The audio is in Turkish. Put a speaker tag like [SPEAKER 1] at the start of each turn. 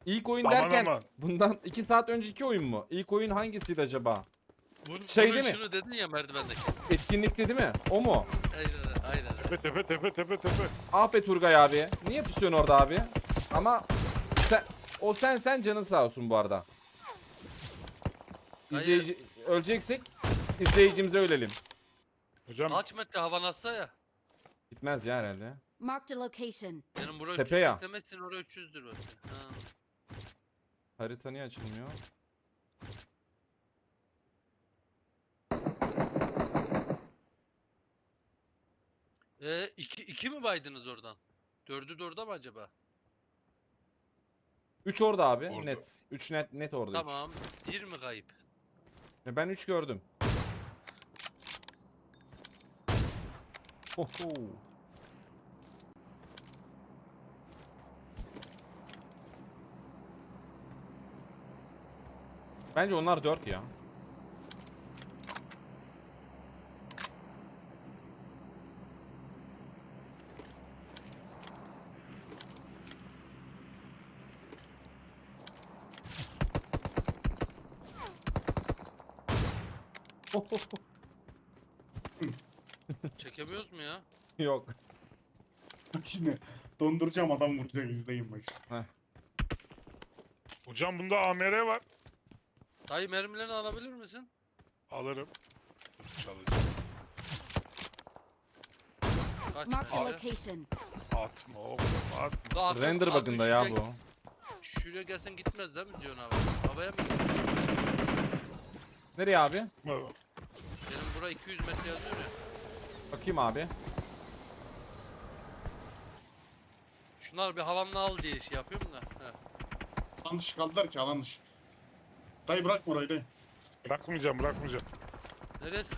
[SPEAKER 1] İlk oyun
[SPEAKER 2] Aman
[SPEAKER 1] derken
[SPEAKER 2] aman.
[SPEAKER 1] bundan 2 saat önceki oyun mu? İlk oyun hangisiydi acaba?
[SPEAKER 3] Bunu,
[SPEAKER 1] Şey
[SPEAKER 3] bunu
[SPEAKER 1] değil mi?
[SPEAKER 3] şunu dedin ya merdivendeki.
[SPEAKER 1] Etkinlikti değil mi? O mu?
[SPEAKER 3] Aynen.
[SPEAKER 2] Tepe.
[SPEAKER 1] Ah be Turgay abi. Niye pusuyorsun orada abi? Ama sen canın sağ olsun bu arada.
[SPEAKER 3] Hayır.
[SPEAKER 1] İzleyici öleceksek izleyicimize ölelim.
[SPEAKER 2] Hocam
[SPEAKER 3] Kaç metre hava nasıl ya?
[SPEAKER 1] Gitmez ya herhalde.
[SPEAKER 4] Marked a location.
[SPEAKER 3] Benim buraya
[SPEAKER 1] Tepe ya.
[SPEAKER 3] 380 senin oraya 300'dür belki. Ha.
[SPEAKER 1] Harita niye açılmıyor?
[SPEAKER 3] İki mi baydınız oradan? Dördü de orada mı acaba?
[SPEAKER 1] 3 orada abi.
[SPEAKER 2] Orada.
[SPEAKER 1] Net. 3 net orada. üç.
[SPEAKER 3] Tamam. Bir mi kayıp?
[SPEAKER 1] Ben 3 gördüm. Oho. Bence onlar 4 ya.
[SPEAKER 3] Çekemiyoruz mu ya?
[SPEAKER 1] Yok.
[SPEAKER 5] Bak şimdi donduracağım adam vuracak izleyin bak.
[SPEAKER 1] Heh.
[SPEAKER 2] hocam bunda AMR var.
[SPEAKER 3] Dayı mermilerini alabilir misin?
[SPEAKER 2] Alırım. Dur, çalacağım.
[SPEAKER 3] Kaç
[SPEAKER 4] Marked a
[SPEAKER 3] metre?
[SPEAKER 4] location.
[SPEAKER 2] Atma oğlum atma.
[SPEAKER 3] Da artık-
[SPEAKER 1] Render
[SPEAKER 3] artık
[SPEAKER 1] bakında ya
[SPEAKER 3] şuraya-
[SPEAKER 1] bu.
[SPEAKER 3] Şuraya gelsen gitmez değil mi diyorsun abi? Havaya mı gidiyor?
[SPEAKER 1] Nereye abi?
[SPEAKER 3] Benim bura 200 metre yazıyor ya.
[SPEAKER 1] Bakayım abi.
[SPEAKER 3] Şunlar bir havamla al diye şey yapıyorum da. He.
[SPEAKER 5] Alan dışı kaldılar ki alan dışı. Dayı bırakma orayı dayı.
[SPEAKER 2] Bırakmayacağım.
[SPEAKER 3] Neresi